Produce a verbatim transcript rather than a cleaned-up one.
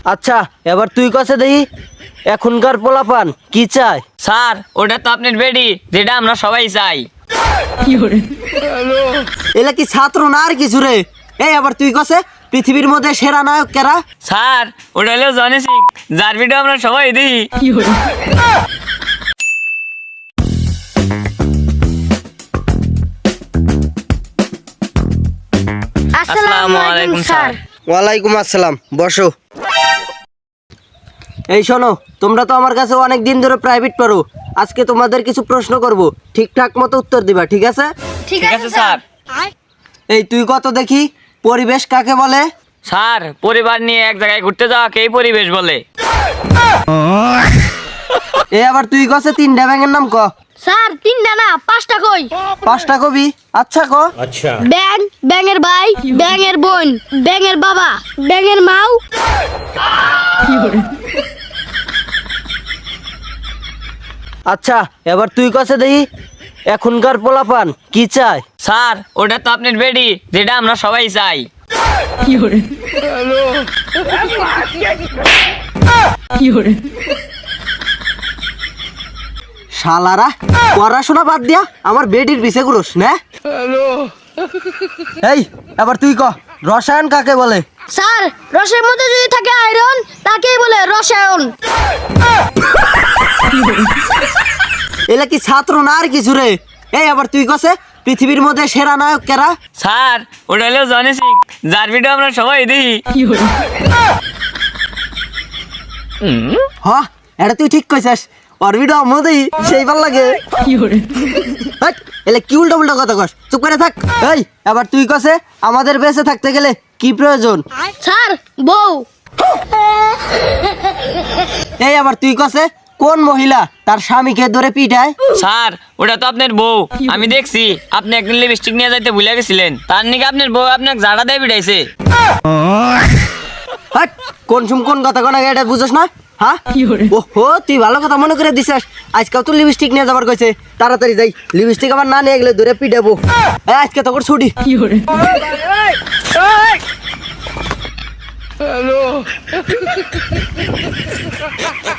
আচ্ছা এবার তুই কাছে দেখি এখনকার পোলাপান কি চায়। স্যার ওটা তো আপনার বেডি, যেটা আমরা সবাই চাই। এলা কি ছাত্র না আর কিছু রে? এই আবার তুই কাছে পৃথিবীর মধ্যে সেরা নায়ক কেরা? স্যার ওটা হলো জনি সিং, যার ভিডিও আমরা সবাই দেখি। আসসালামু আলাইকুম স্যার। ওয়ালাইকুম আসসালাম, বসো। এই শোনো, তোমরা তো আমার কাছে অনেক দিন ধরে প্রাইভেট পড়ো। আজকে তোমাদের কিছু প্রশ্ন করব, ঠিকঠাক মতো উত্তর দিবা, ঠিক আছে? ঠিক আছে স্যার। এই তুই কত দেখি পরিবেশ কাকে বলে? স্যার পরিবার নিয়ে এক জায়গায় ঘুরতে যাওয়াকে এই পরিবেশ বলে। এই আবার তুই কাছে তিনটা ব্যাঙের নাম ক। স্যার তিনটা না পাঁচটা কই। পাঁচটা কবি? আচ্ছা ক। ব্যাং, ব্যাঙের ভাই, ব্যাঙের বোন, ব্যাঙের বাবা, ব্যাঙের মাও। আচ্ছা এবার তুই কাছে দেখি এখনকার পোলাপান কি চায়। স্যার ওটা তো আপনার বেডি, যেটা আমরা সবাই চাই। শালারা পড়াশোনা বাদ দিয়া আমার বেডির পিছে ঘুরোস না? এই এবার তুই ক রসায়ন কাকে বলে? স্যার রসের মধ্যে যদি থাকে আয়রন, তাকেই বলে রসায়ন। এলা কি ছাত্র না আর কিছু রে? এই আবার তুই কাছে পৃথিবীর মধ্যে সেরা নায়ক কেরা? স্যার ওটা হলো জনি সিং, যার ভিডিও আমরা সবাই দেখি। হ এটা তুই ঠিক কইছিস, ওর ভিডিও মধ্যেই সেই ভাল লাগে। হাট, এলে কি উল্টা উল্টা কথা কস, চুপ করে থাক। এই এবার তুই কাছে আমাদের বেঁচে থাকতে গেলে কি প্রয়োজন? স্যার বউ। এই আবার তুই কাছে কোন মহিলা তার স্বামীকে ধরে পিটায়? স্যার ওটা তো আপনার বউ, আমি দেখছি আপনি একদিন লিপস্টিক নিয়ে যাইতে ভুলে গেছিলেন, তার নাকি আপনার বউ আপনাকে ঝাড়া দিয়ে বিড়াইছে। হাট, কোন সুম কোন কথা কোন এটা বুঝছ না? হ্যাঁ ওহো, তুই ভালো কথা মনে করে দিছিস। আজকাল তো লিপস্টিক নিয়ে যাবার কইছে, তাড়াতাড়ি যাই, লিপস্টিক আবার না নিয়ে গেলে ধরে পিটাবো। এই, আজকে তোর ছুটি। হ্যালো।